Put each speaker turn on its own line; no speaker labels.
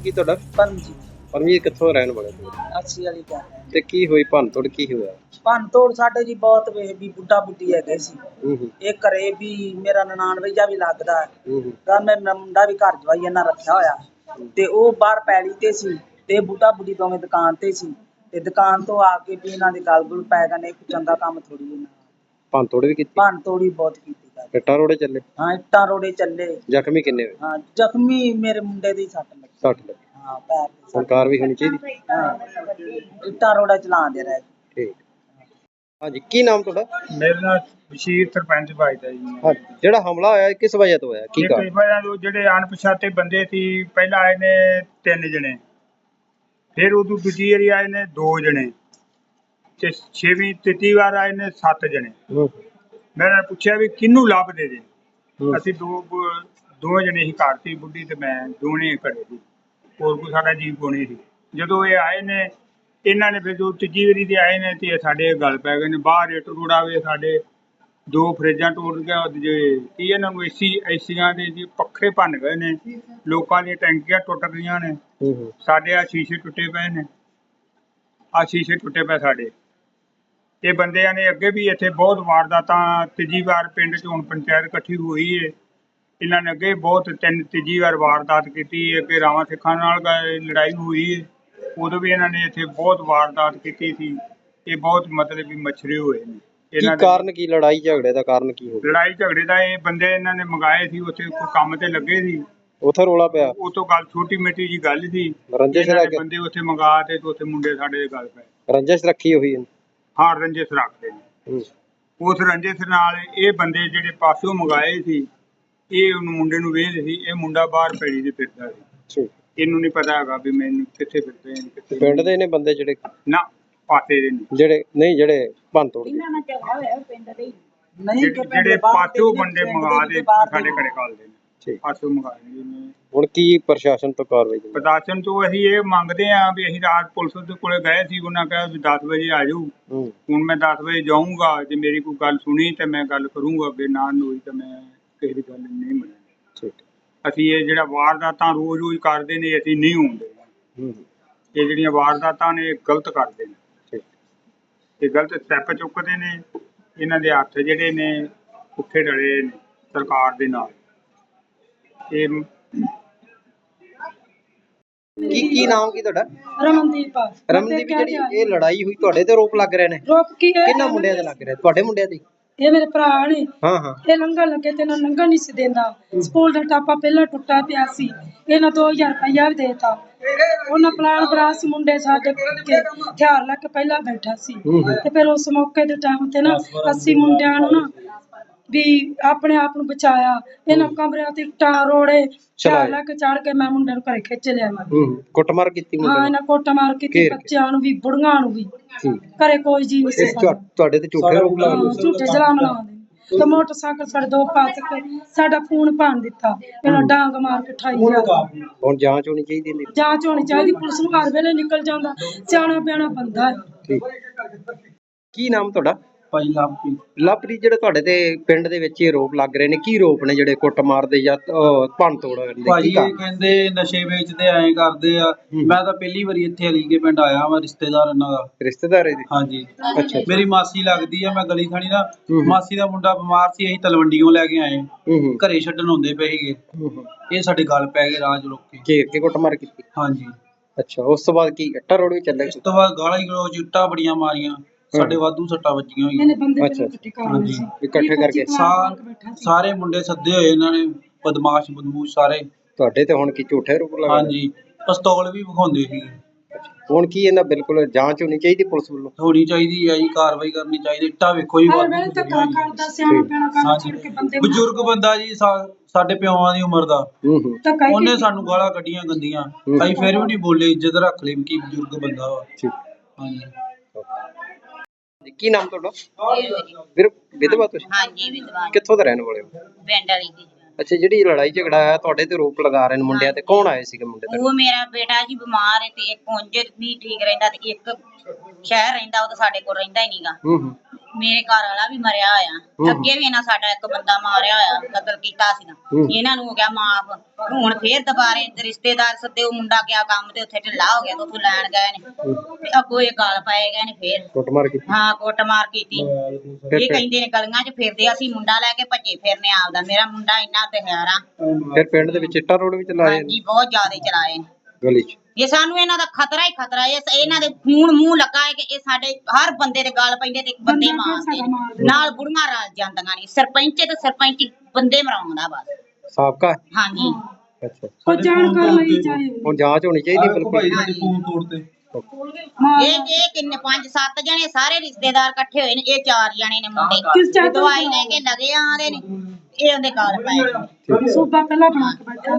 ਕੀ ਤੁਹਾਡਾ?
ਪੰਜੀ
ਪਰਮਜੀਤ ਕਿੱਥੋਂ ਰਹਿਣ ਵਾਲੇ ਤੁਸੀਂ?
80 ਵਾਲੀ ਗੱਲ ਹੈ।
ਤੇ ਕੀ ਹੋਈ ਭੰਨ ਤੋੜ ਕੀ ਹੋਇਆ?
ਭੰਨ ਤੋੜ ਸਾਡੇ ਜੀ ਬਹੁਤ ਵੇ ਵੀ ਬੁੱਢਾ ਬੁੱਢੀ ਹੈਗੇ ਸੀ।
ਹੂੰ
ਇਹ ਘਰੇ ਵੀ ਮੇਰਾ ਨਨਾਣ ਵਈਆ ਵੀ ਲੱਗਦਾ ਹੈ।
ਹੂੰ
ਤਾਂ ਮੇਰਾ ਮੁੰਡਾ ਵੀ ਘਰ ਜਵਾਈ ਇਹਨਾਂ ਰੱਖਿਆ ਹੋਇਆ ਤੇ ਉਹ ਬਾਹਰ ਪੈਲੀ ਤੇ ਸੀ ਤੇ ਬੁੱਢਾ ਬੁੱਢੀ ਦੋਵੇਂ ਦੁਕਾਨ ਤੇ ਸੀ ਤੇ ਦੁਕਾਨ ਤੋਂ ਆ ਕੇ ਵੀ ਇਹਨਾਂ ਦੇ ਗਲ ਗੁਲ ਪੈ ਗਏ ਨੇ। ਕੋਈ ਚੰਗਾ ਕੰਮ ਥੋੜੀ ਇਹਨਾਂ
ਭੰਨ ਤੋੜ ਵੀ ਕੀਤੀ?
ਭੰਨ ਤੋੜੀ ਬਹੁਤ ਕੀਤੀ ਗੱਲ।
ਇੱਟਾਂ ਰੋੜੇ ਚੱਲੇ?
ਹਾਂ ਇੱਟਾਂ ਰੋੜੇ ਚੱਲੇ।
ਜ਼ਖਮੀ ਕਿੰਨੇ ਹੋਏ?
ਹਾਂ ਜ਼ਖਮੀ ਮੇਰੇ ਮੁੰਡੇ ਦੀ ਸੱਟ ਲੱਗੀ।
60 ਲੱਗੇ।
ਹਾਂ ਪੈਰ ਤੇ ਸੱਟ।
ਸਰਕਾਰ ਵੀ ਹੋਣੀ ਚਾਹੀਦੀ।
ਹਾਂ ਇੱਟਾਂ ਰੋੜਾ ਚਲਾਉਂਦੇ ਰਹੇ।
ਠੀਕ। ਹਾਂਜੀ ਕੀ ਨਾਮ ਤੁਹਾਡਾ?
मेरा नाम बशीर सरपंच भाईदा जी।
ਹਾਂ ਜਿਹੜਾ ਹਮਲਾ ਹੋਇਆ ਇਹ ਕਿਸ ਵਜ੍ਹਾ ਤੋਂ ਹੋਇਆ ਕੀ
ਇਹ
ਕਾਰਨ?
ਕਈ ਵਾਰਾਂ ਤੋਂ ਜਿਹੜੇ ਅਣਪਛਾਤੇ ਬੰਦੇ ਸੀ ਪਹਿਲਾਂ ਆਏ ਨੇ 3 ਜਣੇ, ਫਿਰ ਉਦੋਂ ਦੂਜੀ ਵਾਰੀ ਆਏ ਨੇ 2 ਜਣੇ ਤੇ ਤੀਜੀ ਵਾਰ ਆਏ ਨੇ 7 ਜਣੇ।
ਹੂੰ
ਮੈਂ ਇਹਨਾਂ ਨੂੰ ਪੁੱਛਿਆ ਵੀ ਕਿਹਨੂੰ ਲੱਭਦੇ ਜੇ?
ਹੂੰ
ਅਸੀਂ ਦੋ ਜਣੇ ਹੀ ਘਰ ਸੀ, ਬੁੱਢੀ ਤੇ ਮੈਂ, ਦੋਨੇ ਘਰੇ ਸੀ, ਹੋਰ ਕੋਈ ਸਾਡਾ ਜੀਵ ਕੋਣੀ ਸੀ। ਜਦੋਂ ਇਹ ਆਏ ਨੇ ਇਹਨਾਂ ਨੇ ਫਿਰ ਜੋ ਤੀਜੀ ਵਾਰੀ ਦੇ ਆਏ ਨੇ ਤੇ ਇਹ ਸਾਡੇ ਗੱਲ ਪੈ ਗਏ ਨੇ। ਬਾਹਰ ਇੱਟ ਰੋੜਾ ਵੇ, ਸਾਡੇ 2 ਫਰਿੱਜਾਂ ਟੁੱਟ ਗਿਆ ਜੇ ਕੀ ਇਹਨਾਂ ਨੂੰ ਏਸੀਆਂ ਦੇ ਜੀ ਪੱਖੇ ਭੰਨ ਗਏ ਨੇ, ਲੋਕਾਂ ਦੀਆਂ ਟੈਂਕੀਆਂ ਟੁੱਟ ਗਈਆਂ ਨੇ,
ਹੂੰ
ਸਾਡੇ ਆ ਸ਼ੀਸ਼ੇ ਟੁੱਟੇ ਪਏ ਨੇ, ਆ ਸ਼ੀਸ਼ੇ ਟੁੱਟੇ ਪਏ ਸਾਡੇ। ਇਹ ਬੰਦਿਆਂ ਨੇ ਅੱਗੇ ਵੀ ਇੱਥੇ ਬਹੁਤ ਵਾਰਦਾਤਾਂ, ਤੀਜੀ ਵਾਰ ਪਿੰਡ 'ਚ ਹੁਣ ਪੰਚਾਇਤ ਇਕੱਠੀ ਹੋਈ ਏ, ਇਹਨਾਂ ਨੇ ਅੱਗੇ ਬਹੁਤ ਤੀਜੀ ਵਾਰ ਵਾਰਦਾਤ ਕੀਤੀ। ਅੱਗੇ ਰਾਵਾਂ ਸਿੱਖਾਂ ਨਾਲ ਲੜਾਈ ਹੋਈ ਏ, ਉਦੋਂ ਵੀ ਇਹਨਾਂ ਨੇ ਇੱਥੇ ਬਹੁਤ ਵਾਰਦਾਤ ਕੀਤੀ ਸੀ। ਇਹ ਬਹੁਤ ਮਤਲਬ ਵੀ ਮਛਰੇ ਹੋਏ ਨੇ।
ਕੀ
ਇਹਨਾਂ ਦੇ
ਕਾਰਨ ਕੀ ਲੜਾਈ ਝਗੜੇ ਦਾ ਕਾਰਨ ਕੀ ਹੋ ਗਿਆ?
ਲੜਾਈ ਝਗੜੇ ਦਾ ਇਹ ਬੰਦੇ ਇਹਨਾਂ ਨੇ ਮੰਗਾਏ ਸੀ, ਉੱਥੇ ਕੋਈ ਕੰਮ ਤੇ ਲੱਗੇ ਸੀ,
ਉੱਥੇ ਰੋਲਾ ਪਿਆ?
ਉਹ ਤੋਂ ਗੱਲ ਛੋਟੀ ਮਿੱਟੀ ਜੀ ਗੱਲ ਸੀ।
ਰੰਜਿਸ਼
ਇਹਨਾਂ ਨੇ
ਰੱਖ
ਬੰਦੇ ਉੱਥੇ ਮੰਗਾ ਤੇ ਉੱਥੇ ਮੁੰਡੇ ਸਾਡੇ ਦੇ ਗੱਲ ਪਏ।
ਰੰਜਿਸ਼ ਰੱਖੀ ਹੋਈ ਹੈ?
ਹਾਂ ਰੰਜਿਸ਼ ਰੱਖਦੇ ਨੇ।
ਹੂੰ
ਉਸ ਰੰਜਿਸ਼ ਨਾਲ ਇਹ ਬੰਦੇ ਜਿਹੜੇ ਪਾਸਿਓਂ ਮੰਗਾਏ ਸੀ, ਇਹ ਉਹਨੂੰ ਮੁੰਡੇ ਨੂੰ ਵੇਚਦੇ ਸੀ। ਇਹ ਮੁੰਡਾ ਬਾਹਰ ਪੈੜੀ ਤੇ ਫਿਰਦਾ ਸੀ,
ਠੀਕ।
ਇਹਨੂੰ ਨਹੀਂ ਪਤਾ ਹੈਗਾ ਵੀ ਮੈਨੂੰ ਕਿੱਥੇ ਫਿਰਦੇ ਨੇ ਕਿੱਥੇ
ਪਿੰਡ ਦੇ ਨੇ ਬੰਦੇ ਜਿਹੜੇ
ਨਾ ਪਾਸੇ ਦੇ ਨੇ,
ਜਿਹੜੇ ਭੰਨ ਤੋੜ ਗਏ?
ਨਹੀਂ ਕਿ
ਜਿਹੜੇ ਪਾਸਿਓਂ ਬੰਦੇ ਮੰਗਾ ਦੇ ਸਾਡੇ ਘਰੇ ਕਾਲਦੇ ਨੇ,
ਠੀਕ।
ਪਾਸਿਓਂ ਮੰਗਾਏ ਨੇ।
ਹੁਣ ਕੀ ਪ੍ਰਸ਼ਾਸਨ ਤੋਂ ਕਾਰਵਾਈ ਹੋਈ?
ਪ੍ਰਸ਼ਾਸਨ ਤੋਂ ਅਸੀਂ ਇਹ ਮੰਗਦੇ ਆ ਵੀ ਅਸੀਂ ਰਾਤ ਪੁਲਿਸ ਦੇ ਕੋਲੇ ਗਏ ਸੀ, ਉਹਨਾਂ ਕਿਹਾ ਵੀ 10 ਵਜੇ ਆ ਜਾਓ।
ਹੂੰ
ਹੁਣ ਮੈਂ 10 ਵਜੇ ਜਾਊਂਗਾ, ਜੇ ਮੇਰੀ ਕੋਈ ਗੱਲ ਸੁਣੀ ਤੇ ਮੈਂ ਗੱਲ ਕਰੂੰਗਾ, ਅੱਗੇ ਨਾ ਹੋਈ ਤਾਂ ਮੈਂ ਕਿਸੇ ਦੀ ਗੱਲ ਨਹੀਂ ਮੰਨਣੀ।
ਠੀਕ।
ਅਸੀਂ ਇਹ ਜਿਹੜਾ ਵਾਰਦਾਤਾਂ ਰੋਜ਼ ਕਰਦੇ ਨੇ, ਅਸੀਂ ਨਹੀਂ ਹੁੰਦੇ।
ਹੂੰ
ਇਹ ਜਿਹੜੀਆਂ ਵਾਰਦਾਤਾਂ ਨੇ ਇਹ ਗਲਤ ਕਰਦੇ ਨੇ,
ਠੀਕ।
ਇਹ ਗਲਤ ਸਟੈਪ ਚੁੱਕਦੇ ਨੇ। ਇਹਨਾਂ ਦੇ ਹੱਥ ਜਿਹੜੇ ਨੇ ਪੁੱਠੇ ਡਲੇ ਨੇ ਸਰਕਾਰ ਦੇ ਨਾਲ। ਇਹ
ਕੀ ਨਾਮ ਕੀ ਤੁਹਾਡਾ?
ਰਮਨਦੀਪ ਆ।
ਰਮਨਦੀਪ, ਜਿਹੜੀ ਇਹ ਲੜਾਈ ਹੋਈ ਤੁਹਾਡੇ ਤੇ ਆਰੋਪ ਲੱਗ ਰਹੇ ਨੇ?
ਰੋਕ ਕੀ ਹੈ?
ਕਿੰਨਾ ਮੁੰਡਿਆਂ ਦੇ ਲੱਗ ਰਹੇ? ਤੁਹਾਡੇ ਮੁੰਡਿਆਂ ਦੇ?
ਇਹ ਮੇਰੇ ਭਰਾ ਨੇ।
ਹਾਂ ਹਾਂ
ਇਹ ਲੰਘਣ ਲੱਗੇ ਤੇ ਇਹਨਾਂ ਲੰਘਣ ਨਹੀਂ ਸੀ ਦਿੰਦਾ। ਸਕੂਲ ਦਾ ਟਾਪਾ ਪਹਿਲਾਂ ਟੁੱਟਾ ਪਿਆ ਸੀ, ਇਹਨਾਂ 2000 ਰੁਪਇਆ ਵੀ ਦੇਤਾ। ਉਹਨਾਂ ਪਲਾਨ ਬਰਾ ਸੀ, ਮੁੰਡੇ ਸਾਡੇ ਕੇ ਹਥਿਆਰ ਲੈ ਕੇ ਪਹਿਲਾਂ ਬੈਠਾ ਸੀ ਤੇ ਫਿਰ ਉਸ ਮੌਕੇ ਦੇ ਟਾਈਮ ਤੇ ਨਾ ਅਸੀਂ ਮੁੰਡਿਆਂ ਨੂੰ ਨਾ ਵੀ ਆਪਣੇ ਆਪ ਨੂੰ ਬਚਾਇਆ। ਇਹਨਾਂ ਕਮਰਿਆਂ ਤੇ ਇੱਟਾਂ ਰੋੜੇ ਹਥਿਆਰ ਲੈ ਕੇ ਚੜ ਕੇ ਮੈਂ ਮੁੰਡੇ ਨੂੰ ਘਰੇ ਖਿੱਚ ਲਿਆ।
ਕੁੱਟਮਾਰ ਕੀਤੀ ਮੁੰਡੇ
ਹਾਂ
ਨੇ?
ਇਹਨਾਂ ਕੁੱਟਮਾਰ ਕੀਤੀ, ਬੱਚਿਆਂ ਨੂੰ ਵੀ ਬੁੜੀਆਂ ਨੂੰ ਵੀ। ਘਰੇ ਕੋਈ ਜੀ ਨਹੀਂ ਸੀ।
ਤੁਹਾਡੇ ਤੇ ਝੂਠੇ ਆਰੋਪ ਲਾ ਰਹੇ?
ਝੂਠੇ ਜਲਾਮ ਲਾਉਂਦੇ ਤੇ ਮੋਟਰਸਾਈਕਲ ਸਾਡੇ 2 ਪਾਸ ਕੇ ਸਾਡਾ ਫੋਨ ਭੰਨ ਦਿੱਤਾ। ਇਹਨਾਂ ਡਾਂਗ ਮਾਰ ਕੇ ਠਾਈ ਗਿਆ।
ਹੁਣ ਜਾਂਚ ਹੋਣੀ ਚਾਹੀਦੀ ਇਹਦੀ?
ਜਾਂਚ ਹੋਣੀ ਚਾਹੀਦੀ, ਪੁਲਿਸ ਨੂੰ ਹਰ ਵੇਲੇ ਨਿਕਲ ਜਾਂਦਾ, ਸਿਆਣਾ ਪਿਆਣਾ ਬੰਦਾ ਹੈ।
ਠੀਕ। ਕੀ ਨਾਮ ਤੁਹਾਡਾ?
ਭਾਈ ਲਾਪੀ।
ਲਵਪ੍ਰੀਤ, ਜਿਹੜੇ ਤੁਹਾਡੇ ਤੇ ਪਿੰਡ ਦੇ ਵਿੱਚ ਇਹ ਆਰੋਪ ਲੱਗ ਰਹੇ ਨੇ, ਕੀ ਆਰੋਪ ਨੇ ਜਿਹੜੇ ਕੁੱਟਮਾਰ ਦੇ ਜਾਂ ਭੰਨ ਤੋੜ ਦੇ?
ਭਾਜੀ ਇਹ ਕਹਿੰਦੇ ਨਸ਼ੇ ਵੇਚਦੇ ਐਂ ਕਰਦੇ ਆ। ਮੈਂ ਤਾਂ ਪਹਿਲੀ ਵਾਰੀ ਇੱਥੇ ਅਲੀਗੇ ਪਿੰਡ ਆਇਆ ਵਾਂ, ਰਿਸ਼ਤੇਦਾਰ ਇਹਨਾਂ ਦਾ।
ਰਿਸ਼ਤੇਦਾਰ ਇਹਦੇ?
ਹਾਂਜੀ।
ਅੱਛਾ।
ਮੇਰੀ ਮਾਸੀ ਲੱਗਦੀ ਆ। ਮੈਂ ਗਲੀ ਖਾਣੀ ਦਾ, ਮਾਸੀ ਦਾ ਮੁੰਡਾ ਬਿਮਾਰ ਸੀ, ਅਸੀਂ ਤਲਵੰਡੀਓਂ ਲੈ ਕੇ ਆਏ, ਘਰੇ ਛੱਡਣ ਹੁੰਦੇ ਪਏ ਸੀਗੇ। ਇਹ ਸਾਡੇ ਗੱਲ ਪੈ ਗਏ ਰਾਜ ਰੋਕ ਕੇ,
ਘੇਰ ਕੇ ਕੁੱਟਮਾਰ ਕੀਤੀ?
ਹਾਂਜੀ।
ਅੱਛਾ, ਉਸ ਤੋਂ ਬਾਅਦ ਕੀ ਇੱਟਾਂ ਰੋੜ ਵੀ ਚੱਲੇ?
ਉਸ ਤੋਂ ਬਾਅਦ ਗਾਲਾਂ ਗਲੋਚ, ਇੱਟਾਂ ਬੜੀਆਂ ਮਾਰੀਆਂ, ਸਾਡੇ ਵਾਧੂ ਸੱਟਾਂ ਵੱਜੀਆਂ ਹੋਈਆਂ।
ਇਹਨੇ ਬੰਦੇ
ਅੱਛਾ।
ਹਾਂਜੀ।
ਇਕੱਠੇ ਕਰਕੇ
ਸਾਰੇ ਮੁੰਡੇ ਸੱਦੇ ਹੋਏ ਇਹਨਾਂ ਨੇ, ਬਦਮਾਸ਼ ਬਦਮੂਸ਼ ਸਾਰੇ।
ਤੁਹਾਡੇ ਤੇ ਹੁਣ ਕੀ ਝੂਠੇ ਆਰੋਪ ਲਗਾ?
ਹਾਂਜੀ, ਪਿਸਤੌਲ ਵੀ ਵਿਖਾਉਂਦੇ ਸੀ।
ਹੁਣ ਕੀ ਇਹਨਾਂ ਬਿਲਕੁਲ ਜਾਂਚ ਹੋਣੀ ਚਾਹੀਦੀ ਪੁਲਿਸ ਵੱਲੋਂ?
ਹੋਣੀ ਚਾਹੀਦੀ ਹੈ ਜੀ, ਕਾਰਵਾਈ ਕਰਨੀ ਚਾਹੀਦੀ। ਇੱਟਾਂ ਵੇਖੋ ਜੀ,
ਹਰ ਵੇਲੇ ਧੱਕਾ ਕਰਦਾ, ਸਿਆਣਾ ਪਿਆਣਾ ਕੰਮ ਛੱਡ ਕੇ ਬੰਦੇ
ਬਜ਼ੁਰਗ ਬੰਦਾ ਜੀ, ਸਾਡੇ ਪਿਓਾਂ ਦੀ ਉਮਰ ਦਾ।
ਧੱਕਾ ਹੀ
ਉਹਨੇ ਸਾਨੂੰ ਗਾਲਾਂ ਕੱਢੀਆਂ ਗੰਦੀਆਂ, ਅਸੀਂ ਫਿਰ ਵੀ ਨਹੀਂ ਬੋਲੇ, ਇੱਜ਼ਤ ਰੱਖ ਲਈ ਕੀ ਬਜ਼ੁਰਗ ਬੰਦਾ ਵਾ। ਹਾਂਜੀ।
ਕੀ ਨਾਮ ਤੁਹਾਡਾ? ਵੀਰ ਵਿਧਵਾ ਤੁਸੀਂ?
ਹਾਂਜੀ ਵਿਧਵਾ।
ਕਿੱਥੋਂ ਦੇ ਰਹਿਣ ਵਾਲੇ ਹੋ?
ਪਿੰਡ ਵਾਲੀ ਦੀ।
ਅੱਛਾ, ਜਿਹੜੀ ਲੜਾਈ ਝਗੜਾ ਆਇਆ ਤੁਹਾਡੇ ਤੇ ਆਰੋਪ ਲਗਾ ਰਹੇ ਨੇ ਮੁੰਡਿਆਂ ਤੇ, ਕੌਣ ਆਏ ਸੀਗੇ ਮੁੰਡੇ ਤੇ?
ਉਹ ਮੇਰਾ ਬੇਟਾ ਜੀ ਬਿਮਾਰ ਹੈ ਤੇ ਇੱਕ ਉਂਝ ਨਹੀਂ ਠੀਕ ਰਹਿੰਦਾ ਤੇ ਇੱਕ ਸ਼ਹਿਰ ਰਹਿੰਦਾ, ਉਹ ਤਾਂ ਸਾਡੇ ਕੋਲ ਰਹਿੰਦਾ ਹੀ ਨਹੀਂਗਾ। ਮੇਰੇ ਘਰ ਵਾਲਾ ਵੀ ਮਰਿਆ ਹੋਇਆ ਅੱਗੇ ਵੀ ਇਹਨਾਂ ਸਾਡਾ ਇੱਕ ਬੰਦਾ ਮਾਰਿਆ ਹੋਇਆ ਕਤਲ ਕੀਤਾ ਸੀ ਨਾ ਇਹਨਾਂ ਨੂੰ ਹੋ ਗਿਆ ਮਾਫ ਹੁਣ ਫੇਰ ਦੁਬਾਰੇ ਰਿਸ਼ਤੇਦਾਰ ਸੱਦੇ ਉਹ ਮੁੰਡਾ ਗਿਆ ਕੰਮ ਤੇ ਉੱਥੇ ਢਿੱਲਾ ਹੋ ਗਿਆ ਤੇ ਉੱਥੋਂ ਲੈਣ ਗਏ ਨੇ ਤੇ ਅੱਗੋਂ ਇਹ ਗਾਲ ਪਾਏ ਗਏ ਨੇ ਫੇਰ
ਕੁੱਟਮਾਰ ਕੀਤੀ
ਹਾਂ ਕੁੱਟਮਾਰ ਕੀਤੀ ਇਹ ਕਹਿੰਦੇ ਨੇ ਗਲੀਆਂ 'ਚ ਫਿਰਦੇ ਅਸੀਂ ਮੁੰਡਾ ਲੈ ਕੇ ਭੱਜੇ ਫਿਰਨੇ ਆਪਦਾ ਮੇਰਾ ਮੁੰਡਾ ਇੰਨਾ ਦਿਹਾਰਾ
ਫਿਰ ਪਿੰਡ ਦੇ ਵਿੱਚ ਇੱਟਾਂ ਰੋਡ ਵੀ ਚਲਾਏ
ਹਾਂਜੀ ਬਹੁਤ ਜ਼ਿਆਦਾ ਚਲਾਏ ਨੇ
ਗਲੀ 'ਚ
ਇਹ ਸਾਨੂੰ ਇਹਨਾਂ ਦਾ ਖਤਰਾ ਹੀ ਖਤਰਾ ਹੈ ਇਹਨਾਂ ਦੇ ਖੂਨ ਮੂੰਹ ਲੱਗਾ ਹੈ ਕਿ ਇਹ ਸਾਡੇ ਹਰ ਬੰਦੇ ਦੇ ਗਲ ਪੈਂਦੇ ਤੇ ਬੰਦੇ ਮਾਰਦੇ ਨੇ ਨਾਲ ਬੁੜੀਆਂ ਰਲ ਜਾਂਦੀਆਂ ਨੇ ਸਰਪੰਚ ਤੇ ਸਰਪੰਚ ਬੰਦੇ ਮਰਾਉਂਦਾ ਬਸ
ਸਾਬਕਾ
ਹਾਂਜੀ
ਅੱਛਾ
ਉਹ ਜਾਣਕਾਰ ਲਈ ਚਾਹੇ
ਹੁਣ ਜਾਂਚ ਹੋਣੀ ਚਾਹੀਦੀ
ਭਾਈ
ਬਿਲਕੁਲ
ਸਾਡੇ ਫੋਨ ਤੋੜਤੇ
ਇਹ ਕਿੰਨੇ 5-7 ਜਣੇ ਸਾਰੇ ਰਿਸ਼ਤੇਦਾਰ ਇਕੱਠੇ ਹੋਏ ਨੇ ਇਹ 4 ਜਣੇ ਨੇ ਮੁੰਡੇ
ਕਿਸ ਚਾਹ ਤੋਂ
ਦਵਾਈ ਲੈ ਕੇ ਲਗੇ ਆਂਦੇ ਨੇ ਇਹ ਉਹਦੇ ਗਲ ਪਏ
ਸੂਬਾ ਪਹਿਲਾਂ ਬਣਾ ਕੇ ਬੈਠਾ